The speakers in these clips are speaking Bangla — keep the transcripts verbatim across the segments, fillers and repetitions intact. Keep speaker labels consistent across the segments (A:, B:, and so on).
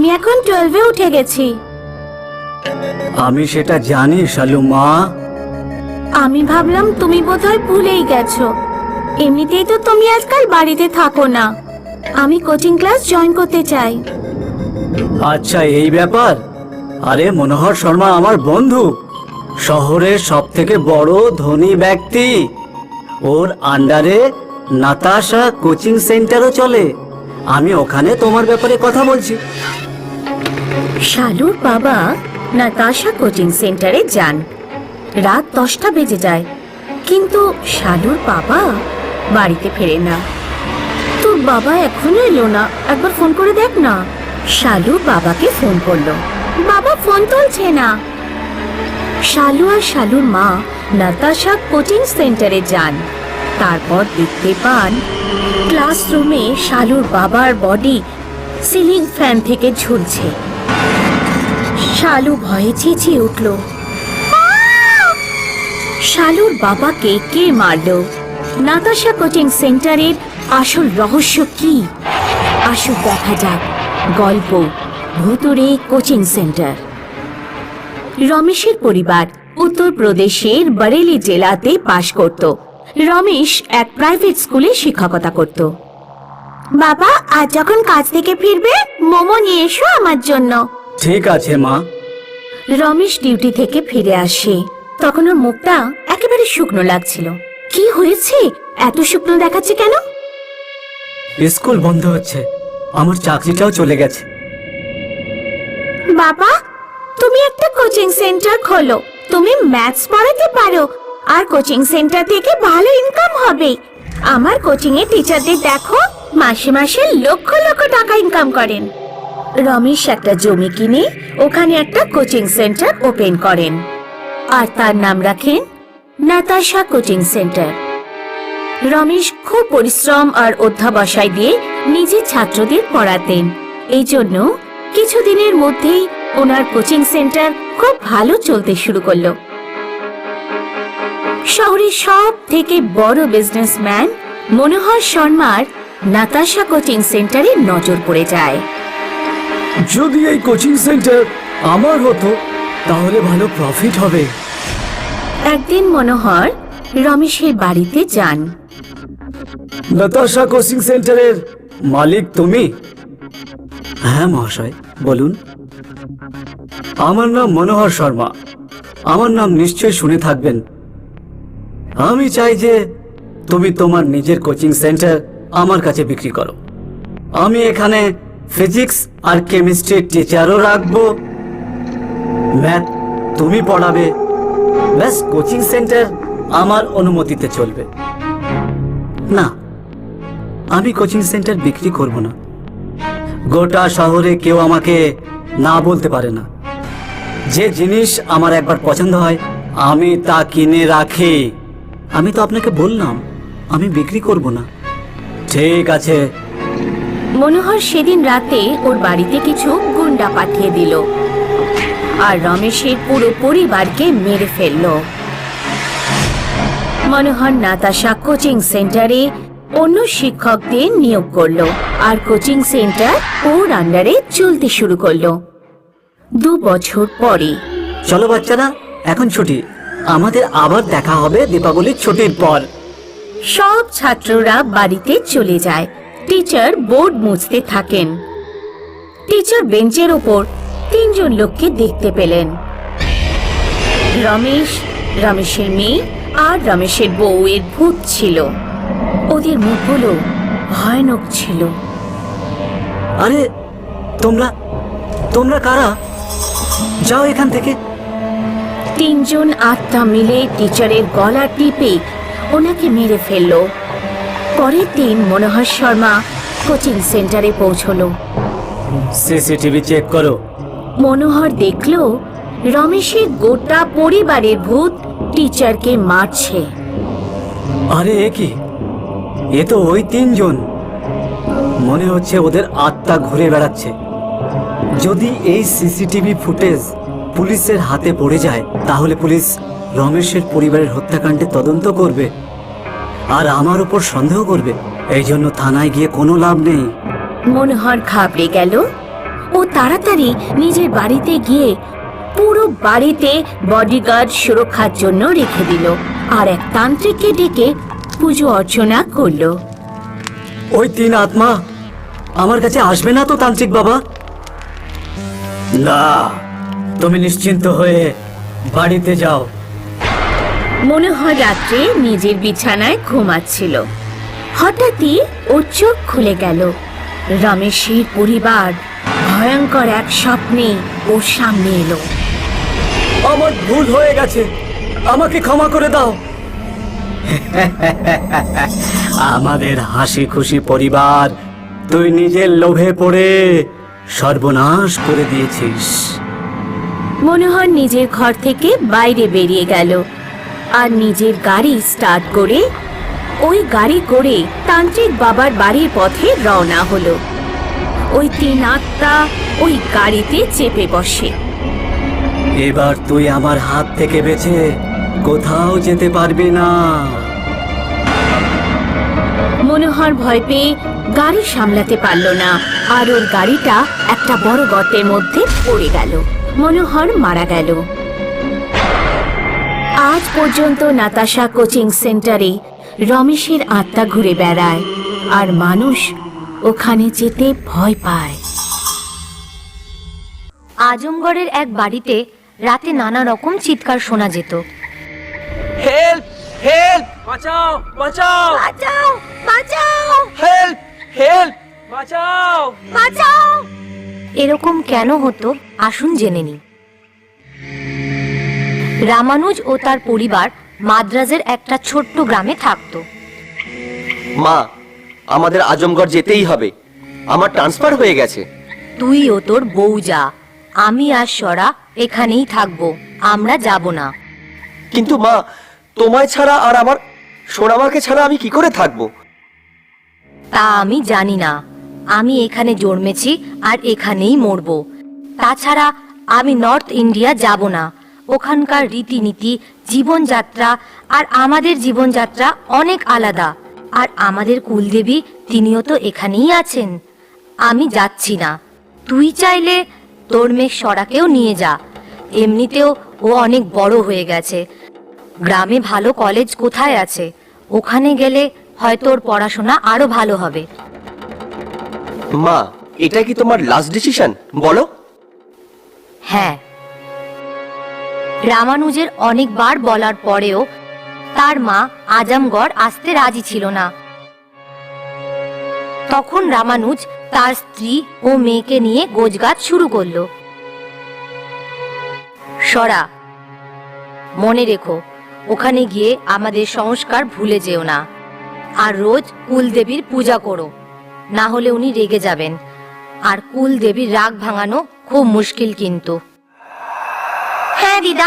A: আমি এখন টুয়েলভে উঠে গেছি।
B: আমি সেটা জানি শালু মা।
A: আমি ভাবলাম তুমি বোধহয় ভুলেই গেছো। এমনিতেই তো তুমি আজকাল বাড়িতে থাকো না। আমি কোচিং ক্লাস জয়েন করতে চাই।
B: আচ্ছা এই ব্যাপার। আরে মনোহর শর্মা আমার বন্ধু, শহরের সব থেকে বড় ধনী ব্যক্তি। ওর আন্ডারে নাতাশা কোচিং সেন্টারও চলে। আমি ওখানে তোমার ব্যাপারে কথা বলছি।
A: শালুর বাবা নাতাশা কোচিং সেন্টারে যান। রাত দশটা বেজে যায়, কিন্তু শালুর বাবা বাড়িতে ফেরে না। তোর বাবা এখনো এলো না, একবার ফোন করে দেখ না। শালু বাবাকে ফোন করলো, বাবা ফোন তুলছে না। শালু আর শালুর মা নাতাশা কোচিং সেন্টারে যান। তারপর দেখতে পান ক্লাসরুমে শালুর বাবার বডি সিলিং ফ্যান থেকে ঝুলছে। শালু ভয়ে চেঁচিয়ে উঠল, শালুর বাবাকে কে মারলো? নাতাশা কোচিং সেন্টারের আসল রহস্য কি? আসুন দেখা যাক গল্প ভুতুড়ে কোচিং সেন্টার। রমেশের পরিবার উত্তরপ্রদেশের বরেলি জেলাতে বাস করত। রমেশ এক প্রাইভেট স্কুলে শিক্ষকতা করত। বাবা, আজ যখন কাজ থেকে ফিরবে মোমো নিয়ে এসো আমার জন্য।
B: ঠিক আছে মা।
A: রমেশ ডিউটি থেকে ফিরে আসে। তখন ওর মুখটা একেবারে শুকনো লাগছিল। কি হয়েছে, এত শুকনো দেখাচ্ছে কেন?
B: স্কুল বন্ধ হচ্ছে, আমার চাকরিটাও চলে গেছে।
A: বাবা, তুমি একটা কোচিং সেন্টার খোলো। তুমি ম্যাথস পড়াতে পারো, আর কোচিং সেন্টার থেকে ভালো ইনকাম হবে। আমার কোচিং এর টিচারদের দেখো, মাসে মাসে লক্ষ লক্ষ টাকা ইনকাম করেন। রমেশ একটা জমি কিনে ওখানে একটা কোচিং সেন্টার ওপেন করেন, আর তার নাম রাখেন নাতাশা কোচিং সেন্টার। রমেশ খুব পরিশ্রম আর অধ্যাবসায় দিয়ে নিজের ছাত্রদের পড়াতেন। এই জন্য কিছুদিনের মধ্যেই ওনার কোচিং সেন্টার খুব ভালো চলতে শুরু করলো। শহরের সব থেকে বড় বিজনেসম্যান মনোহর শর্মার নাতাশা কোচিং সেন্টারে নজর পড়ে যায়।
B: যদি এই কোচিং সেন্টার আমার হতো তাহলে ভালো প্রফিট হবে।
A: একদিন মনোহর রমেশের বাড়িতে যান।
B: নাতাশা কোচিং সেন্টারের মালিক তুমি? হ্যাঁ মহাশয়, বলুন। আমার নাম মনোহর শর্মা। আমার নাম নিশ্চয় শুনে থাকবেন। আমি চাই যে তুমি তোমার নিজের কোচিং সেন্টার আমার কাছে বিক্রি করো। আমি এখানে ফিজিক্স আর কেমিস্ট্রির টিচারও রাখবো। ম্যাথ তুমি পড়াবে। ব্যাস, কোচিং সেন্টার আমার অনুমতিতে চলবে। না, আমি কোচিং সেন্টার বিক্রি করব না। গোটা শহরে কেউ আমাকে না বলতে পারে না। যে জিনিস আমার একবার পছন্দ হয় আমি তা কিনে রাখি। আমি তো আপনাকে বললাম আমি বিক্রি করব না। ঠিক আছে।
A: মনোহর সেদিন রাতে ওর বাড়িতে কিছু গুন্ডা পাঠিয়ে দিল আর রমেশের পুরো পরিবারকে মেরে ফেলল। মনোহর নাতাশা কোচিং সেন্টারে অন্য শিক্ষকদের নিয়োগ করলো আর কোচিং সেন্টার ওর আন্ডারে চলতে শুরু করলো। দু বছর পরে,
B: চলো বাচ্চারা, এখন ছুটি। আমাদের আবার দেখা হবে দীপাবলির ছুটির পর।
A: সব ছাত্ররা বাড়িতে চলে যায়। টিচার বোর্ড মুছতে থাকেন। টিচার বেঞ্চের ওপর তিনজন লোককে দেখতে পেলেন। রমেশ, রমেশের মেয়ে আর রমেশের বউয়ের ভূত ছিল। ওদের মুখগুলো ভয়ানক ছিল।
B: আরে তোমরা তোমরা কারা? যাও এখান থেকে।
A: তিনজন আত্মা মিলে টিচারের গলা টিপে ওনাকে মেরে ফেললো। পরের দিন মনোহর শর্মা কোচিং সেন্টারে পৌঁছলো।
B: সিসিটিভি চেক করো।
A: মনোহর দেখলো রমেশের গোটা পরিবারের ভূত টিচারকে মারছে।
B: আরে এ কি? এ তো ওই তিনজন। মনে হচ্ছে ওদের আত্মা ঘুরে বেড়াচ্ছে। যদি এই সিসিটিভি ফুটেজ পুলিশের হাতে পড়ে যায় তাহলে পুলিশ রমেশের পরিবারের হত্যাকাণ্ডে তদন্ত করবে আর আমার উপর সন্দেহ করবে। এই জন্য থানায় গিয়ে কোনো লাভ নেই।
A: মনোহর ঘাবড়ে গেল। ও তাড়াতাড়ি নিজের বাড়িতে গিয়ে পুরো বাড়িতে বডিগার্ড সুরক্ষার জন্য রেখে দিল আর এক তান্ত্রিককে ডেকে পুজো অর্চনা করলো।
B: ওই তিন আত্মা আমার কাছে আসবে না তো তান্ত্রিক বাবা? না, তুমি নিশ্চিন্ত হয়ে বাড়িতে যাও।
A: মনোহর রাত্রে নিজের বিছানায় ঘুমাচ্ছিল। হঠাৎই ওর চোখ খুলে গেল। রমেশের পরিবার ভয়ঙ্কর এক স্বপ্নে ওর সামনে এলো।
B: আমার ভুল হয়ে গেছে, আমাকে ক্ষমা করে দাও। আমাদের হাসি খুশি পরিবার তুই নিজের লোভে পড়ে সর্বনাশ করে দিয়েছিস।
A: মনোহর নিজের ঘর থেকে বাইরে বেরিয়ে গেল আর নিজের গাড়ি স্টার্ট করে ওই গাড়ি করে তান্ত্রিক বাবার বাড়ির পথে রওনা হলো। ওই তিন আত্মা ওই গাড়িতে চেপে বসে।
B: এবার তুই আমার হাত থেকে বেঁচে কোথাও যেতে পারবি না।
A: মনোহর ভয় পেয়ে গাড়ি সামলাতে পারল না আর ওর গাড়িটা একটা বড় গর্তের মধ্যে পড়ে গেল। মনোহর মারা গেল। আজ পর্যন্ত নাতাশা কোচিং সেন্টারে রমেশের আত্মা ঘুরে বেড়ায় আর মানুষ ওখানে যেতে ভয় পায়।
C: আজমগড়ের এক বাড়িতে রাতে নানা রকম চিৎকার শোনা যেত।
D: হেল্প হেল্প বাঁচাও বাঁচাও
C: বাঁচাও বাঁচাও
D: হেল্প হেল্প বাঁচাও
C: বাঁচাও। এরকম কেন হতো আসুন জেনে নিই। রামানুজ ও তার পরিবার মাদ্রাজের একটা ছোট্ট গ্রামে থাকতো।
D: মা, আমাদের আজমগড় যেতেই হবে, আমার ট্রান্সফার হয়ে গেছে।
C: তুই ও তোর বউ যা, আমি আর সরা এখানেই থাকবো, আমরা যাব না।
D: কিন্তু মা, তোমায় ছাড়া আর আমার সোনামাকে ছাড়া আমি কি করে থাকবো?
C: তা আমি জানি না, আমি এখানে জন্মেছি আর এখানেই মরবো। তাছাড়া আমি নর্থ ইন্ডিয়া যাব না, ওখানকার রীতিনীতি জীবনযাত্রা আর আমাদের জীবনযাত্রা অনেক আলাদা। আর আমাদের কুলদেবী তিনিও তো এখানেই আছেন। আমি যাচ্ছি না। তুই চাইলে তোর মেয়ে সরাকেও নিয়ে যা, এমনিতেও ও অনেক বড় হয়ে গেছে। গ্রামে ভালো কলেজ কোথায় আছে? ওখানে গেলে হয়তো ওর পড়াশোনা আরো ভালো হবে।
D: মা, এটা কি তোমার লাস্ট ডিসিশন বলো?
C: হ্যাঁ। রামানুজের অনেকবার বলার পরেও তার মা আজমগড় আসতে রাজি ছিল না। তখন রামানুজ তার স্ত্রী ও মেয়েকে নিয়ে গোছগাছ শুরু করলো। সরা, মনে রেখো, ওখানে গিয়ে আমাদের সংস্কার ভুলে যেও না, আর রোজ কুলদেবীর পূজা করো, না হলে উনি রেগে যাবেন। আর কুলদেবীর রাগ ভাঙানো খুব মুশকিল কিন্তু। হ্যাঁ দিদা।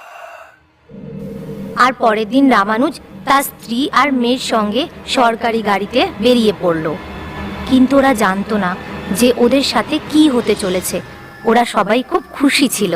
C: আর পরের দিন রামানুজ তার স্ত্রী আর মেয়ের সঙ্গে সরকারি গাড়িতে বেরিয়ে পড়ল। কিন্তু ওরা জানতো না যে ওদের সাথে কি হতে চলেছে। ওরা সবাই খুব খুশি ছিল।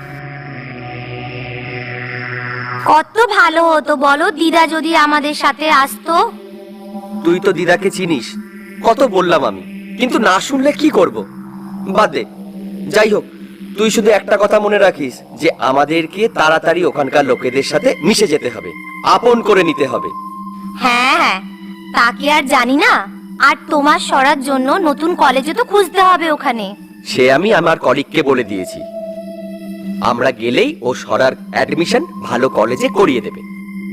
C: কত ভালো হতো বলো দিদা যদি আমাদের সাথে আসতো।
D: তুই তো দিদাকে চিনিস, কত বললাম আমি, কিন্তু না শুনলে কি করব? বাদ দে। যাই হোক, তুই শুধু একটা কথা মনে রাখিস যে আমাদেরকে তাড়াতাড়ি ওখানকার লোকেদের সাথে মিশে যেতে হবে, আপন করে নিতে হবে।
C: হ্যাঁ হ্যাঁ, তাকে আর জানি না। আর তোমার সরার জন্য নতুন কলেজে তো খুঁজতে হবে ওখানে।
D: সে আমি আমার কলিগকে বলে দিয়েছি, আমরা গেলেই ও সরার অ্যাডমিশন ভালো কলেজে করিয়ে দেবে।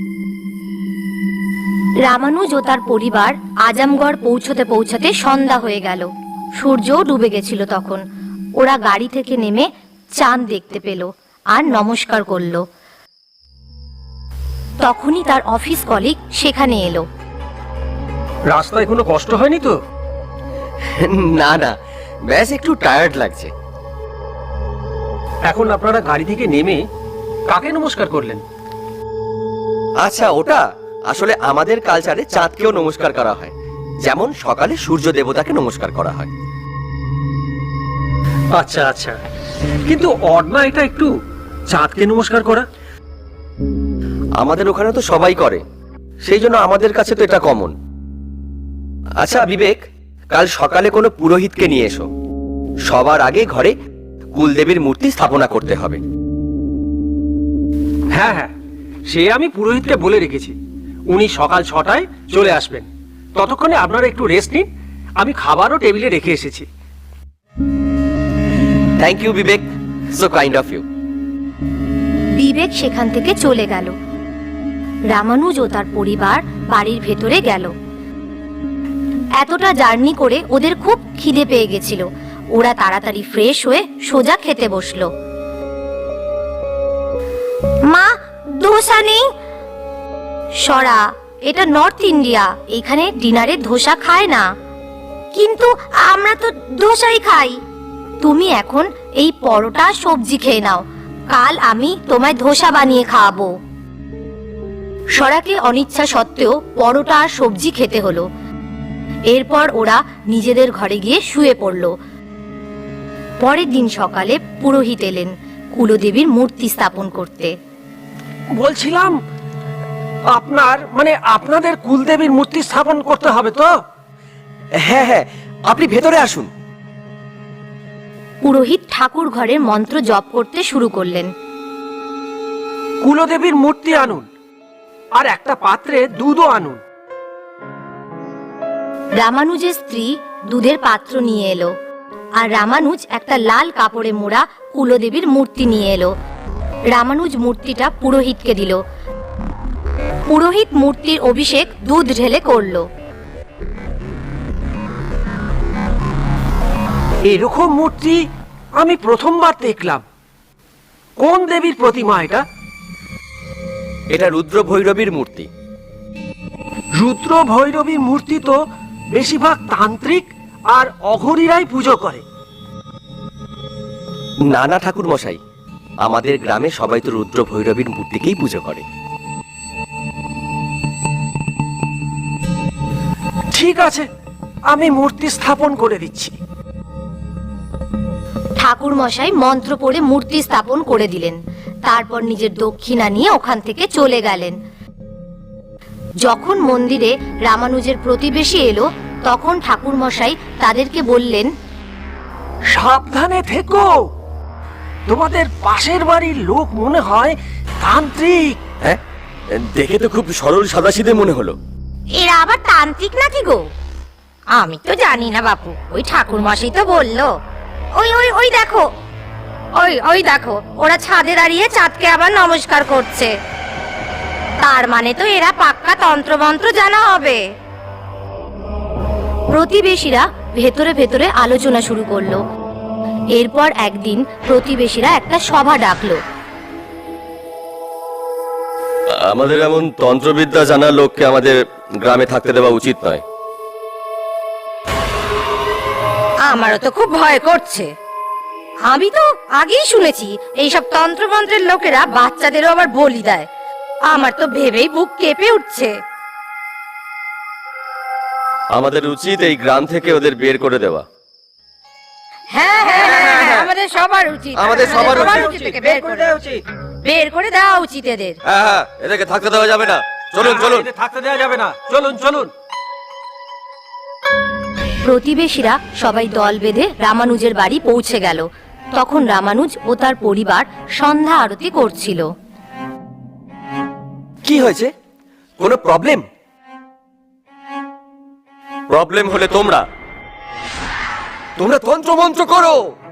C: রামানুজ ও তার পরিবার আজমগড় পৌঁছতে পৌঁছতে সন্ধ্যা হয়ে গেল। সূর্যও ডুবে গেছিল তখন। ওরা গাড়ি থেকে নেমে চাঁদ দেখতে পেল আর নমস্কার করলো। তখনই তার অফিস কলিগ সেখানে এলো।
E: রাস্তায় কোনো কষ্ট হয়নি তো?
D: না না, ব্যাস একটু টায়ার্ড লাগছে।
E: এখন আপনারা গাড়ি থেকে নেমে কাকে নমস্কার করলেন?
D: আচ্ছা, ওটা আসলে আমাদের কালচারে চাঁদকেও নমস্কার করা হয়, যেমন সকালে সূর্য দেবতাকে নমস্কার করা হয়।
E: আচ্ছা আচ্ছা, কিন্তু অড না এটা একটু, চাঁদকে নমস্কার করা?
D: আমাদের ওখানে তো সবাই করে, সেই জন্য আমাদের কাছে তো এটা কমন। আচ্ছা বিবেক, কাল সকালে কোনো পুরোহিতকে নিয়ে এসো, সবার আগে ঘরে কুলদেবীর মূর্তি স্থাপনা করতে হবে।
E: হ্যাঁ হ্যাঁ, সে আমি পুরোহিতকে বলে রেখেছি। উনি সকাল ছটায় চলে আসবেন। ততক্ষণে আপনারা একটু রেস্ট নিন, আমি খাবারও টেবিলে রেখে এসেছি।
D: Thank you Vivek, so kind of you.
C: Vivek সেখান থেকে চলে গেল। রামানুজ ও তার পরিবার বাড়ির ভেতরে গেল। এতটা জার্নি করে ওদের খুব খিদে পেয়ে গেছিল। ওরা তাড়াতাড়ি ফ্রেশ হয়ে সোজা খেতে বসলো। মা, ধোসা নেই? সরা, এটা নর্থ ইন্ডিয়া, এখানে ডিনারে ধোসা খায় না। কিন্তু আমরা তো ধোসাই খাই। তুমি এখন এই পরোটা সবজি খেয়ে নাও, কাল আমি তোমায় ধোসা বানিয়ে খাওয়াবো। সরাকে অনিচ্ছা সত্ত্বেও পরোটা আর সবজি খেতে হলো। এরপর ওরা নিজেদের ঘরে গিয়ে শুয়ে পড়ল। পরের দিন সকালে পুরোহিত এলেন কুলদেবীর মূর্তি স্থাপন করতে।
E: বলছিলাম, আপনার মানে আপনাদের কুলদেবীর মূর্তি স্থাপন করতে হবে তো?
D: হ্যাঁ হ্যাঁ, আপনি ভেতরে আসুন।
C: পুরোহিত ঠাকুর ঘরের মন্ত্র জপ করতে শুরু করলেন।
E: কুলদেবীর মূর্তি আনুন, আর একটা পাত্রে দুধও আনুন।
C: রামানুজের স্ত্রী দুধের পাত্র নিয়ে এলো, আর রামানুজ একটা লাল কাপড়ে মোড়া কুলদেবীর মূর্তি নিয়ে এলো। রামানুজ মূর্তিটা পুরোহিতকে দিল। পুরোহিত মূর্তির অভিষেক দুধ ঢেলে করলো।
E: এরকম মূর্তি আমি প্রথমবার দেখলাম। কোন দেবীর প্রতিমা এটা?
D: এটা রুদ্র ভৈরবীর মূর্তি।
E: রুদ্র ভৈরবী মূর্তি তো বেশিরভাগ তান্ত্রিক আর অঘরীরাই পুজো করে।
D: না না ঠাকুর মশাই, আমাদের গ্রামে সবাই তো রুদ্র ভৈরবীর মূর্তিকেই পুজো করে।
E: ঠিক আছে, আমি মূর্তি স্থাপন করে দিচ্ছি।
C: ঠাকুর মশাই মন্ত্র পড়ে মূর্তি স্থাপন করে দিলেন। তারপর নিজের দক্ষিণা নিয়ে ওখান থেকে চলে গেলেন। যখন মন্দিরে রামানুজের প্রতিবেশী এলো, তখন ঠাকুর মশাই তাদেরকে বললেন,
E: সাবধানে থেকো, তোমাদের পাশের বাড়ির লোক মনে হয় তান্ত্রিক।
D: হ্যাঁ, দেখে তো খুব সরল সাদাসিধে মনে হলো।
C: এরা আবার তান্ত্রিক নাকি গো? আমি তো জানি না বাপু, ওই ঠাকুর মশাই তো বললো। ওই ওই ওই দেখো, ওই ওই দেখো, ওরা ছাদে দাঁড়িয়ে চাঁদকে আবার নমস্কার করছে। তার মানে তো এরা পাক্কা তন্ত্রমন্ত্র জানা হবে। প্রতিবেশীরা ভেতরে ভেতরে আলোচনা শুরু করলো। এরপর একদিন প্রতিবেশীরা একটা সভা ডাকলো।
D: আমাদের এমন তন্ত্রবিদ্যা জানা লোককে আমাদের গ্রামে থাকতে দেওয়া উচিত নয়।
C: আমারও তো খুব ভয় করছে। আমি তো আগেই শুনেছি এইসব তন্ত্রমন্ত্রের লোকেরা বাচ্চাদেরও আবার বলি দেয়। আমার তো ভেবেই বুক কেঁপে উঠছে।
D: আমাদের উচিত এই গ্রাম থেকে ওদের বের করে দেওয়া।
C: হ্যাঁ হ্যাঁ হ্যাঁ, আমাদের সবার উচিত,
D: আমাদের সবার উচিত।
C: এদেরকে বের করে দেওয়া উচিত, বের করে দেওয়া উচিত এদের।
D: হ্যাঁ হ্যাঁ, এদেরকে থাকতে দেওয়া যাবে না। চলুন চলুন,
E: এদের থাকতে দেওয়া যাবে না। চলুন চলুন।
C: প্রতিবেশীরা সবাই দল বেঁধে রামানুজের বাড়ি পৌঁছে গেল। তখন রামানুজ ও তার পরিবার সন্ধ্যা আরতি করছিল।
D: কি হয়েছে? কোনো প্রবলেম? প্রবলেম হলে তোমরা তোমরা তন্ত্রমন্ত্র করো।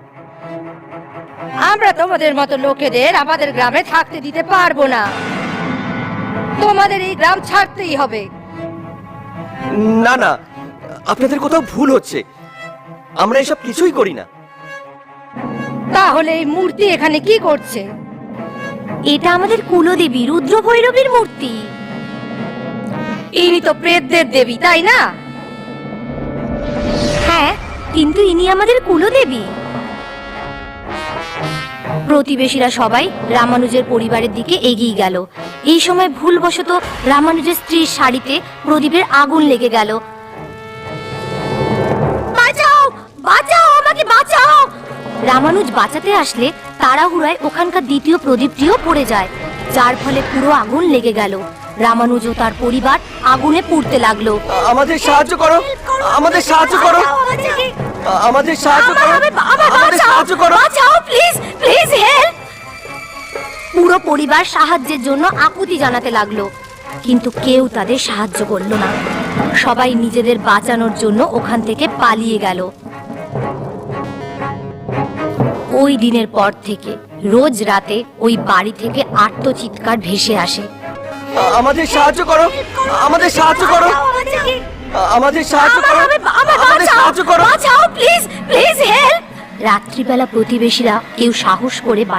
C: আমরা তোমাদের মতো লোকেদের আমাদের গ্রামে থাকতে দিতে পারবো না। তোমাদের এই গ্রাম ছাড়তেই হবে।
D: না না, আপনাদের কোথাও ভুল হচ্ছে। আমরা এসব কিছুই করি না।
C: তাহলে এই মূর্তি এখানে কি করছে? এটা আমাদের কুলদেবী রুদ্র ভৈরবীর মূর্তি। ইনি তো প্রেতদের দেবী, তাই না? হ্যাঁ, কিন্তু ইনি আমাদের কুলদেবী। প্রতিবেশীরা সবাই রামানুজের পরিবারের দিকে এগিয়ে গেল। এই সময় ভুলবশত রামানুজের স্ত্রীর শাড়িতে প্রদীপের আগুন লেগে গেল। বাঁচাও, বাঁচাও, আমাকে বাঁচাও! রামানুজ বাঁচাতে আসলে তাড়াহুড়ায় ওখানকার দ্বিতীয় প্রদীপটিও পড়ে যায়, যার ফলে পুরো আগুন লেগে গেল। রামানুজ ও তার পরিবার আগুনে পুড়তে লাগলো।
D: আমাদের সাহায্য করো, আমাদের সাহায্য করো। আমাদের সাহায্য করো আমাদের সাহায্য করো
C: বাঁচাও প্লিজ প্লিজ হেল্প পুরো পরিবার সাহায্যের জন্য আকুতি জানাতে লাগলো কিন্তু কেউ তাদের সাহায্য করলো না সবাই নিজেদের বাঁচানোর জন্য ওখান থেকে পালিয়ে গেল ওই দিনের পর থেকে রোজ রাতে ওই বাড়ি থেকে আর্তচিৎকার ভেসে আসে
D: আমাদের সাহায্য করো আমাদের সাহায্য করো আমাদের সাহায্য করো আমাদের সাহায্য করো
C: বাঁচাও প্লিজ প্লিজ হেল্প রাত্রিবেলা প্রতিবেশীরা কেউ সাহস করে